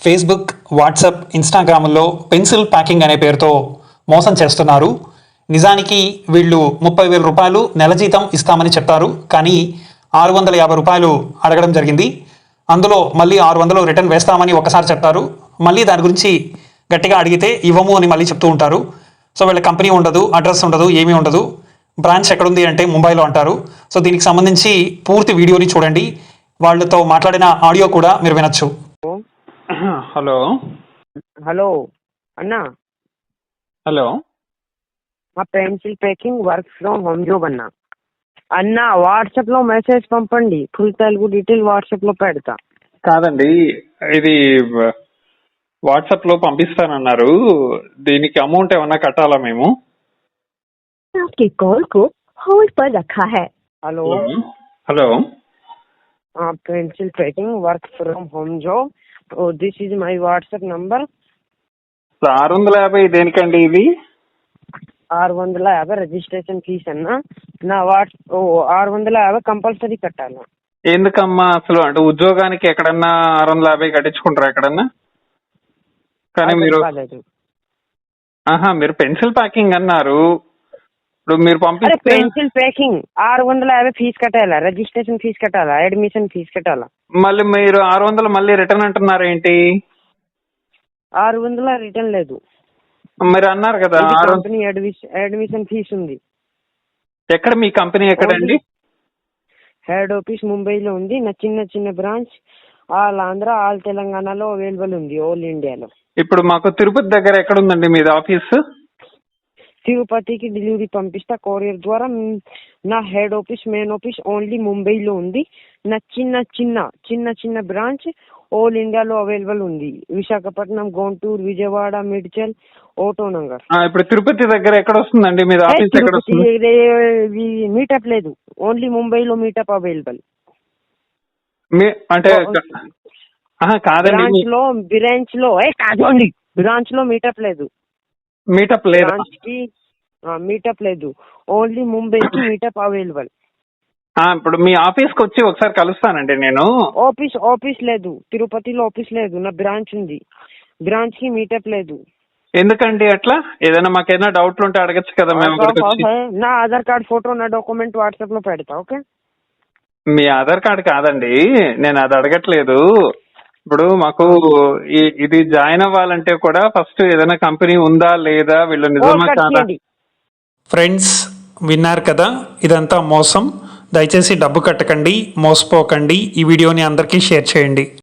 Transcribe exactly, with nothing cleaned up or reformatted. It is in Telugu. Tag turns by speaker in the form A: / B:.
A: ఫేస్బుక్, వాట్సాప్, ఇన్స్టాగ్రామ్లో పెన్సిల్ ప్యాకింగ్ అనే పేరుతో మోసం చేస్తున్నారు. నిజానికి వీళ్ళు ముప్పై వేల రూపాయలు నెల జీతం ఇస్తామని చెప్పారు. కానీ ఆరు వందల యాభై రూపాయలు అడగడం జరిగింది. అందులో మళ్ళీ ఆరు వందలు రిటర్న్ వేస్తామని ఒకసారి చెప్పారు. మళ్ళీ దాని గురించి గట్టిగా అడిగితే ఇవ్వము అని మళ్ళీ చెప్తూ ఉంటారు. సో వీళ్ళ కంపెనీ ఉండదు, అడ్రస్ ఉండదు, ఏమీ ఉండదు. బ్రాంచ్ ఎక్కడుంది అంటే ముంబైలో అంటారు. సో దీనికి సంబంధించి పూర్తి వీడియోని చూడండి. వాళ్ళతో మాట్లాడిన ఆడియో కూడా మీరు వినొచ్చు.
B: హలో
C: హలో అన్నా,
B: హలో
C: మా pencil packing work from home job అన్నా. అన్న వాట్సాప్ లో మెసేజ్ పంపండి, ఫుల్ తెలుగు డీటెయిల్ వాట్సాప్ లో పెడతా.
B: కాదండి, ఇది వాట్సాప్ లో పంపిస్తానన్నారు. దీనికి అమౌంట్ ఏమన్నా కట్టాలా మేము?
D: आपके कॉल को होल्ड पर रखा है.
C: Hello
B: hello
C: pencil packing work from home job, this is my WhatsApp number.
B: ఆరు వందల యాభై దేనికండి ఇది?
C: ఆరు వందల యాభై రిజిస్ట్రేషన్ ఫీజ్ అన్న. నా వాట్స్ ఆరు వందల యాభై కంపల్సరీ కట్టాలి.
B: ఎందుకమ్మా అసలు? అంటే ఉద్యోగానికి ఎక్కడన్నా ఆరు వందల యాభై కట్టించుకుంటారా ఎక్కడన్నా? కానీ మీరు ఆహా మీరు పెన్సిల్ ప్యాకింగ్ అన్నారు. ఇప్పుడు మీరు పంపిస్తే
C: పెన్సిల్ ప్యాకింగ్ ఆరు వందల యాభై ఫీజు కట్టాలా, రిజిస్ట్రేషన్ ఫీజు కట్టాలా, అడ్మిషన్ ఫీజు కట్టాలా.
B: మళ్ళీ మీరు ఆరు వందలు మళ్ళీ రిటర్న్ అంటున్నారు ఏంటి?
C: ఆరు వందల రిటర్న్ లేదు.
B: మీరు అన్నారు కదా
C: కంపెనీ అడ్మిషన్ ఫీజు ఉంది.
B: ఎక్కడ మీ కంపెనీ ఎక్కడండి?
C: హెడ్ ఆఫీస్ ముంబైలో ఉంది. నా చిన్న చిన్న బ్రాంచ్ ఆల్ ఆంధ్ర ఆల్ తెలంగాణలో అవైలబుల్ ఉంది, ఆల్ ఇండియాలో.
B: ఇప్పుడు మాకు తిరుపతి దగ్గర ఎక్కడ ఉందండి మీది ఆఫీస్?
C: తిరుపతికి డెలివరీ పంపిస్తా కొరియర్ ద్వారా. నా head office main office only ముంబైలో ఉంది. నా చిన్న చిన్న చిన్న చిన్న బ్రాంచ్ ఆల్ ఇండియాలో అవైలబుల్ ఉంది. విశాఖపట్నం, గుంటూరు, విజయవాడ, మేడ్చల్, ఓటో నగర్.
B: ఇప్పుడు తిరుపతి దగ్గర ఎక్కడ వస్తుందండి మీది ఆఫీస్? ఎక్కడ వస్తుంది?
C: మీటప్ లేదు, ఓన్లీ ముంబైలో మీటప్ అవైలబుల్.
B: అంటే కాదండి,
C: బ్రాంచ్ లో బ్రాంచ్ లో కాదండి బ్రాంచ్ లో మీటప్ లేదు.
B: మీటప్ లేదు,
C: బ్రాంచ్ కి మీటప్ లేదు, ఓన్లీ ముంబైకి మీటప్ అవైలబుల్.
B: ఇప్పుడు మీ ఆఫీస్ కి వచ్చి ఒకసారి కలుస్తానండి నేను.
C: ఆఫీస్ ఆఫీస్ లేదు, తిరుపతిలో ఆఫీస్ లేదు. నా బ్రాంచ్ ఉంది, బ్రాంచ్ కి మీటప్ లేదు.
B: ఎందుకండి అట్లా? ఏదైనా మాకేదైనా డౌట్లు ఉంటే అడగచ్చు కదా మేము.
C: నా ఆధార్ కార్డ్ ఫోటో, నా డాక్యుమెంట్ వాట్సాప్ లో పెడతా. ఓకే,
B: మీ ఆధార్ కార్డ్ కాదండి, నేను అది అడగట్లేదు. ఇప్పుడు మాకు ఇది జాయిన్ అవ్వాలంటే కూడా ఫస్ట్ ఏదైనా కంపెనీ ఉందా లేదా, వీళ్ళు నిజమా కాదా?
A: ఫ్రెండ్స్ విన్నారు కదా, ఇదంతా మోసం. దయచేసి డబ్బు కట్టకండి, మోసపోకండి. ఈ వీడియోని అందరికీ షేర్ చేయండి.